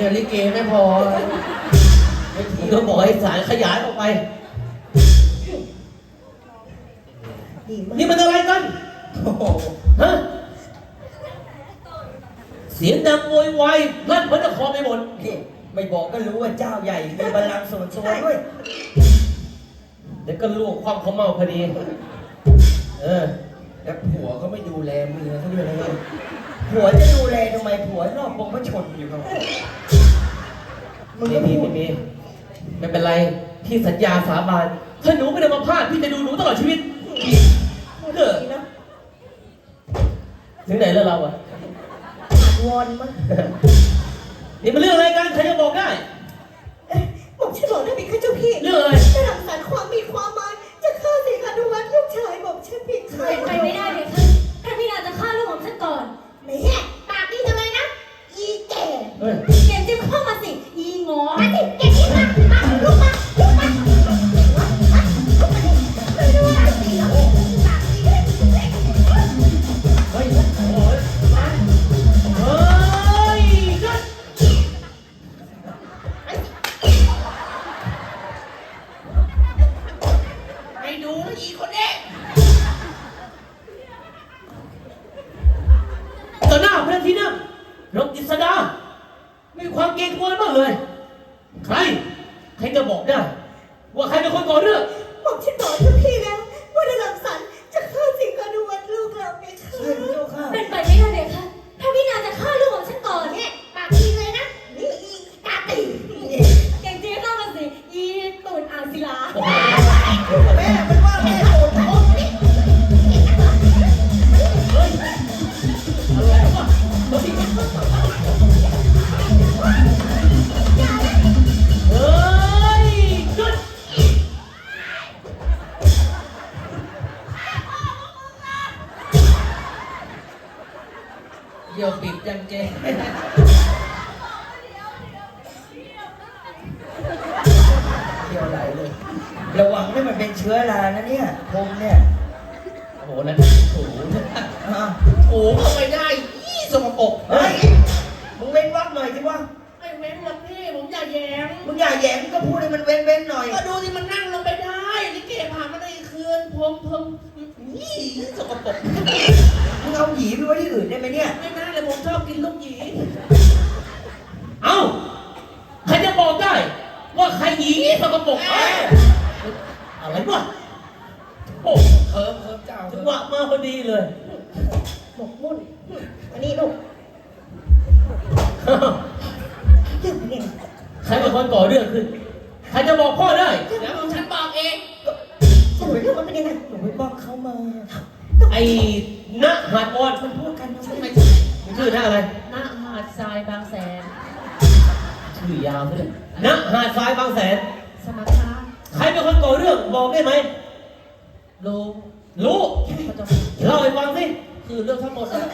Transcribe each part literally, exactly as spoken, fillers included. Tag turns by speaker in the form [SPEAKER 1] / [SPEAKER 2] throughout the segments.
[SPEAKER 1] กับลิเกไม่พอมึงก็บอกให้สายขยายออกไปนี่มันอะไรกันโอ้โหฮะเสียงดังโวยวายลั่นพระนครไปหมด
[SPEAKER 2] ไม่บอกก็รู้ว่าเจ้าใหญ่มีบัลลังก์ส่วนตัวด้วย
[SPEAKER 1] เดี๋ยวก็ลวกความเขาเมาพอดีเออ
[SPEAKER 2] แล้วผัวก็ไม่ดูแลเมียเขาด้วยนะเนี่ยผัวจะดูแลทำไมผัวนอกวงพระชนอยู่ครับ
[SPEAKER 1] มึงก็มีไม่มีไม่เป็นไรพี่สัญญาสาบานถ้าหนูไม่ได้มาพลาดพี่จะดูหนูตลอดชีวิตเออถึงไหนแล้วเราอะ
[SPEAKER 3] วอนมั้ง
[SPEAKER 1] นี่มันเรื่องอะไรกันใครจะบอกได้
[SPEAKER 3] บอกฉันบอกได้ไหมคะเจ้าพี่
[SPEAKER 1] เรื่องอะไร
[SPEAKER 3] จะรังสรรค์ความมีความหมายจะฆ่าสิงหานุวัฒน์ลูกชายบอกฉันผิดใคร
[SPEAKER 4] ไปไม่ได้เลยค่ะท่านพี่นาจะฆ่าลูกของฉันก่อน
[SPEAKER 3] แม่ปากดีจังเลยนะอีแก่
[SPEAKER 4] เก่งจึงเข้ามาสิอีงอ
[SPEAKER 3] มาสิเก่งที่มามาลุกมาลุกมาลุกมาลุกมาดิไม่รู้ว่าสิเหรอปากดีเลย
[SPEAKER 1] เฮ้ยโอ้ยเฮ้ยนัด
[SPEAKER 2] ไปดูอีคนนี้
[SPEAKER 1] ต่อหน้าพระที่นั่งรบกิษดาไม่มีความเกรงกลัวบ้างเลยใครใครจะบอกได้ว่าใครเป็นคนก่อเรื่อง
[SPEAKER 3] บอกฉันบอกเจ้าพี่แล้วว่าในหลังสันจะฆ่าสิงหานุวัฒน์ลูกเราไงคะ
[SPEAKER 4] เป็นไปไม่ได้เลยค่ะท่านพี่นาจะฆ่าลูกของฉันก่อน
[SPEAKER 3] เนี่ยปากดีเลยนะนี่อีตาตี
[SPEAKER 4] เก่งจริงเข้ามาสิอีตูนอ่างศิลา
[SPEAKER 3] แม่มันว่าแม่โหดโหดนี่
[SPEAKER 1] เฮ้ยอะไรวะเฮ้ยเฮ้ยจุด
[SPEAKER 2] เดี๋ยวปิดจังเจเดี๋ยวไหลเลยระวังให้มันเป็นเชื้อรานะเนี่ยผมเนี่ย
[SPEAKER 1] โอ้โหนั่นโอ้โห
[SPEAKER 2] โอ้เข้าไปได้ยี่สกปรกเฮ้ยมึงเว้นวักหน่อยสิวะ
[SPEAKER 5] ไม่เว้นหรอกพี่ผมอย่าแย้ม
[SPEAKER 2] มึงอย่าแย้มก็พูดให้มันเว้นเว้นหน่อย
[SPEAKER 5] ก็ดูสิมันนั่งลงไปได้นี่เก็บผ่านมาได้คืนผมผมยี่สกปรก
[SPEAKER 2] มึงเอาหยีไปไว้ที่อื่นได้ไหมเนี่ย
[SPEAKER 5] ไม่ได้เลยผมชอบกินลูกหยี
[SPEAKER 1] เอ้าใครจะบอกได้ว่าใครหยีสกปรกอะไรวะโอ้
[SPEAKER 2] เคิร์ฟเคิร์ฟเจ้า
[SPEAKER 1] จังหวะมาพอดีเลย
[SPEAKER 3] หมกมุ่นอันนี้ลูกเรื่องนี้
[SPEAKER 1] ใครเป็นคนก่อเรื่องขึ้นใครจะบอกพ่อได้
[SPEAKER 5] แล้วฉันบอกเอง
[SPEAKER 3] สรุปเรื่องมันเป็นยังไง
[SPEAKER 2] หนูไปบอกเขามา
[SPEAKER 1] ไอ้ณหาดอ่อน
[SPEAKER 3] มันพูดกันนะ
[SPEAKER 5] ไม่ใช่
[SPEAKER 1] ชื่อณอะไร
[SPEAKER 5] ณหาดทรายบางแสน
[SPEAKER 1] ชื่อยาวเลยณหาดทรายบางแสน
[SPEAKER 5] สมัคร
[SPEAKER 1] ใครเป็นคนก่อเรื่องบอกได้ไหม
[SPEAKER 5] รู้
[SPEAKER 1] รู้เล่าให้ฟังสิ
[SPEAKER 5] คือเรื่องทั้งหมดอะ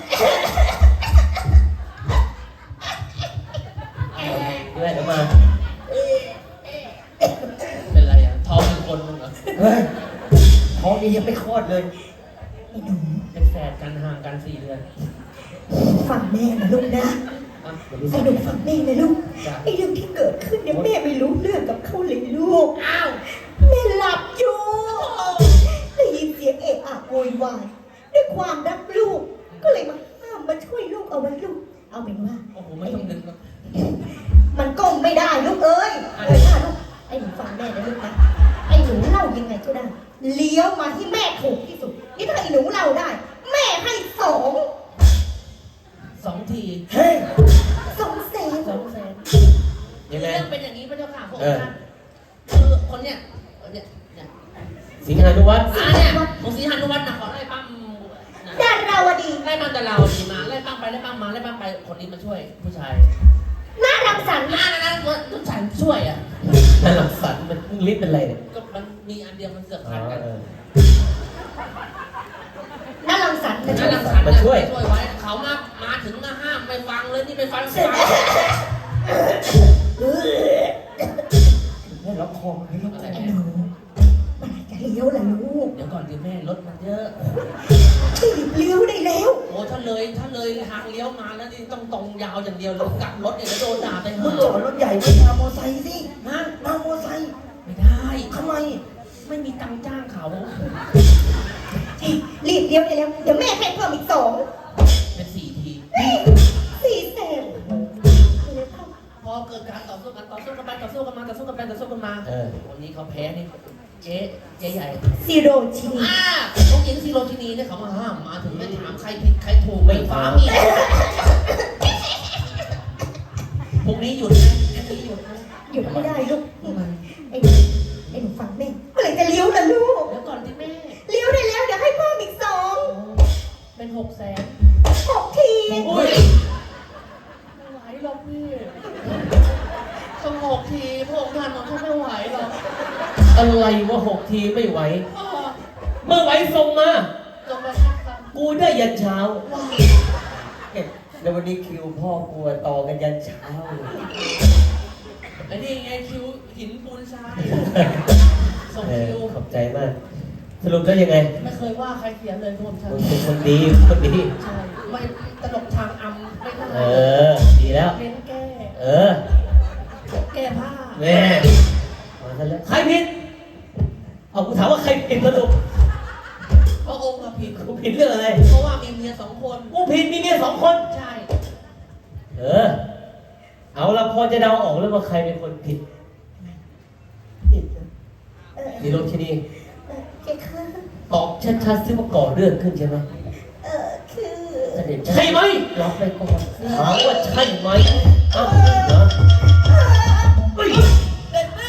[SPEAKER 1] เรื่อยมา
[SPEAKER 5] เป็นไรอ่ะท้องเป็นคนมึงเหรอ
[SPEAKER 2] เฮ้ยท้องนี้ยังไม่คลอดเลย
[SPEAKER 5] เป็นแฝดกันห่างกันสี่เดือน
[SPEAKER 3] ฟังแม่นะลูกนะไอ้หนูฟังแม่นะลูกไอ้เรื่องที่เกิดขึ้นเนี่ยแม่ไม่รู้เรื่องกับเขาเลยลูก
[SPEAKER 5] อ้าว
[SPEAKER 3] แม่หลับอยู่ได้ยินเสียงเอะอะโวยวายด้วยความรักลูกก็เลยมาห้ามมาช่วยลูกเอาไว้ลูกเอาเป็นว่า
[SPEAKER 5] โอ้โหไม่ต้องดึงหรอก
[SPEAKER 3] มันก้มไม่ได้ลูกเอ้ยเอ้ยลูกไอ้หนูฟังแม่นะลูกนะไอ้หนูเล่ายังไงก็ได้เลี้ยวมาที่แม่ถูกที่สุดนี่ถ้าไอ้หนูเล่าได้แม่ให้สอง
[SPEAKER 5] สองที
[SPEAKER 2] เฮ้ย
[SPEAKER 3] สองแสน
[SPEAKER 5] สองแสน
[SPEAKER 1] เรื่อง
[SPEAKER 5] เป็นอย่างนี้พระเจ้าค่ะผมนะคือคนเนี้ยเนี่ยเนี่ย
[SPEAKER 1] สิงหานุวัฒน์
[SPEAKER 5] อ่าเนี่ยผมสิงหานุวัฒน์นะขอไล่ปั้ม
[SPEAKER 3] ดาราวดี
[SPEAKER 5] ไล่ปั้มดาราวดีมาไล่ปั้มไปไล่ปั้มมาไล่ปั้มไปคนนี้มาช่วยผู้ชาย
[SPEAKER 3] น่ารังสรรค์
[SPEAKER 5] น่ารังสรรค์ผู้ชายช่วยอ่ะ
[SPEAKER 1] น่ารังสรรค์มันลิฟต์เป็นไรเนี่ย
[SPEAKER 5] ก็มันมีอันเดียวมันเกือบขาดกัน
[SPEAKER 3] น่ารังสรรค์
[SPEAKER 5] น่ารังสรรค์มาช่วยช่วยไว้เขามามาถึงมาห้ามไปฟังเลยนี่ไปฟังเสียง
[SPEAKER 2] ให้ล็อกคอให้ล็อกคอ
[SPEAKER 3] หนูมันจะเลี้ยวล่ะลูก
[SPEAKER 5] เดี๋ยวก่อนดิแม่รถมันเยอะ
[SPEAKER 3] รีบเลี้ยวได้แล้ว
[SPEAKER 5] โอ้ถ้าเลยถ้าเลยทางเลี้ยวมาแล้วนี่ต้องต้องตรงยาวอย่างเดียวเลยกลับรถเนี่ยจะโดนด่าไป
[SPEAKER 2] มึ
[SPEAKER 5] ห้าง
[SPEAKER 2] จอดรถใหญ่ไม่มามอไซค์สิ
[SPEAKER 5] ฮะ
[SPEAKER 2] มามอไซค์
[SPEAKER 5] ไม่ได้
[SPEAKER 2] ทำไม
[SPEAKER 5] ไม่มีตังค์จ้างเขา
[SPEAKER 3] รีบเลี้ยวได้แล้ว เดี๋ยวแม่ให้เพิ่มอีกสอง
[SPEAKER 5] เป็นสี่ที
[SPEAKER 3] สี่แสน
[SPEAKER 5] พอเกิดการต่อสู้กันต่อสู้กันไปต่อสู้กันมาต่อสู้กันไปต่อสู้กันมา
[SPEAKER 1] เออ
[SPEAKER 5] วันนี้เขาแพ้นี่เจ๊เจ๊ใหญ่
[SPEAKER 3] ซีโรชินี
[SPEAKER 5] อ่าน้องหญิงซีโรชินีเนี่ยเขามาห้ามมาถึงไม่ถามใครผิดใครถูกไม่ฟ้ามีพรุ่งนี้หยุดนะพรุ่งนี้หยุดนะ
[SPEAKER 3] หยุดไม่ได้ลูกไอ้ไอ้หนูฟังแม่เมื่อไหร่จะเลี้ยวล่ะลูก
[SPEAKER 5] เดี๋ยวก่อนที่แม่
[SPEAKER 3] เลี้ยวได้แล้ว เดี๋ยวให้เพิ่มอีกสอง
[SPEAKER 5] เป็นหกแสน
[SPEAKER 3] หกที
[SPEAKER 5] อุ้ยไม่ไหวหรอกพี่สงบทีพวกท่านของฉันไม่ไหวหรอก
[SPEAKER 1] อะไรวะหกทีไม่ไหว
[SPEAKER 5] อ้อ
[SPEAKER 1] เมื่อไหวส่งมา
[SPEAKER 5] จงไปครับ
[SPEAKER 1] กูได้ยันเช้า
[SPEAKER 2] เอ๊ะแล้ววันนี้คิวพ่อกลัวต่อกันยันเช้าเลย
[SPEAKER 5] ไอ้นี่ไงคิวหินปูนทรายส่ง
[SPEAKER 1] เออ
[SPEAKER 5] คิว
[SPEAKER 1] ขอบใจมาก สรุปแล้วยังไง
[SPEAKER 5] ไม่เคยว่าใครเสียเลยทุกคนฉัน
[SPEAKER 1] มึงเป็นคนดีคนดี
[SPEAKER 5] ใช่ไม่ตลกทางอำไม่ได้
[SPEAKER 1] เออ ดีแล้ว
[SPEAKER 5] เน้นแก้
[SPEAKER 1] เออ
[SPEAKER 5] แก้ผ้า
[SPEAKER 1] แม่มาซะแล้วใครผิด เอากูถามว่าใครผิดสรุป
[SPEAKER 5] พระองค์อะผิด
[SPEAKER 1] กูผิดเรื่องอะไร
[SPEAKER 5] เพราะว่ามีเมียสองคน
[SPEAKER 1] กูผิดมีเมียสองคน
[SPEAKER 5] ใช่
[SPEAKER 1] เออ เอาละพอจะเดาออกแล้วว่าใครเป็นคนผิด
[SPEAKER 3] เออ
[SPEAKER 1] สีโรชินี
[SPEAKER 3] เออแกค่ะ
[SPEAKER 1] ตอบชัดๆซิว่าก่อเรื่องขึ้นใช่ไหม
[SPEAKER 3] เออคือ
[SPEAKER 2] เสด็จ
[SPEAKER 1] ใช่ไหม
[SPEAKER 2] รับไปก่อนสิ
[SPEAKER 1] ถามว่าใช่ไหมอ้าวเหรอเฮ้ย
[SPEAKER 5] เด็ดแม่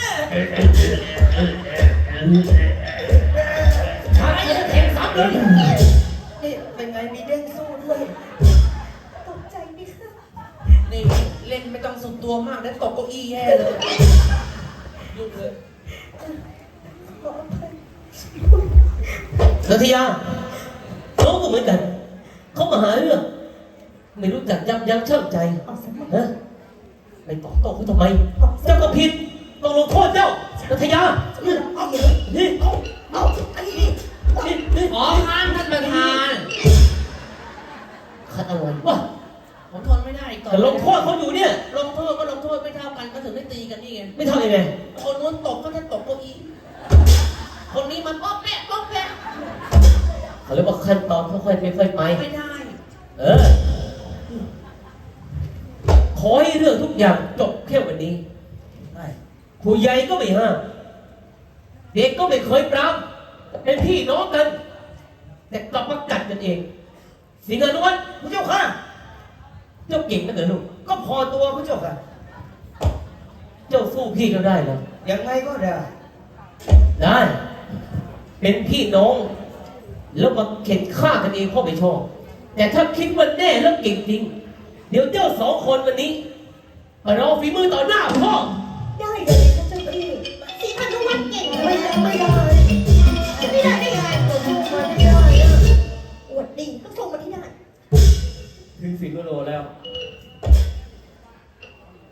[SPEAKER 1] ชายจะแข่งสามเลย
[SPEAKER 2] นี่เป็นไงมีเด้งสู้ด้วย
[SPEAKER 3] ตกใจไหมคะ
[SPEAKER 5] นี่เล่นไม่ต้องสุดตัวมากแล้วตกเก้าอี้แย่เลยยุ่งเลย
[SPEAKER 3] ขออภัย
[SPEAKER 1] นัทยาน้องก็เหมือนกัน เขามาหาเรื่อง ไม่รู้จักยับยั้งชั่งใจ
[SPEAKER 3] ออกสมัย
[SPEAKER 1] ฮะไปตอบโต้เขาทำไม เจ้าก็ผิด ต้องลงโทษเจ้านัทยา
[SPEAKER 3] เอาอย่างนี้
[SPEAKER 1] นี่เอา
[SPEAKER 3] เอาอันนี้
[SPEAKER 1] นี่นี่
[SPEAKER 5] ขอทานท่านประธาน
[SPEAKER 1] ขัดอะไรวะ
[SPEAKER 5] ผมทนไม่ได้ต่อ
[SPEAKER 1] แต่ลงโทษเขาอยู่เนี่ย
[SPEAKER 5] ลงโทษก็ลงโทษไม่เท่ากันก็ถึงได้ตีกันนี่ไง
[SPEAKER 1] ไม่เท่ายังไง
[SPEAKER 5] คนนู้นตกก็ท่านตกเก้าอี้คนนี้มันป๊อกแป๊ะป๊อกแป๊ะ
[SPEAKER 1] เขาเรียกว่าขั้นตอนค่อยๆค่อยๆไป
[SPEAKER 5] ไม่ได้
[SPEAKER 1] เออ ขอให้เรื่องทุกอย่างจบแค่วันนี้
[SPEAKER 2] ได้
[SPEAKER 1] ผู้ใหญ่ก็ไม่ห้าม เด็กก็ไม่เคยปรามเป็นพี่น้องกัน แต่กลับมากัดกันเอง สิงห์อนุวัฒน์
[SPEAKER 2] พระเจ้าค่ะ
[SPEAKER 1] เจ้าเก่งนักเหรอลูก
[SPEAKER 2] ก็พอตัวพระเจ้าค่ะ
[SPEAKER 1] เจ้าสู้พี่เขาได้เหรอ
[SPEAKER 2] ยังไงก็ได้
[SPEAKER 1] ได้ เป็นพี่น้อง แล้วมาเข็นฆ่ากันเองพ่อไม่ชอบ แต่ถ้าคิดว่าแน่แล้วเก่งจริง เดี๋ยวเจ้าสองคนวันนี้มารอฝีมือต่อหน้าพ่อ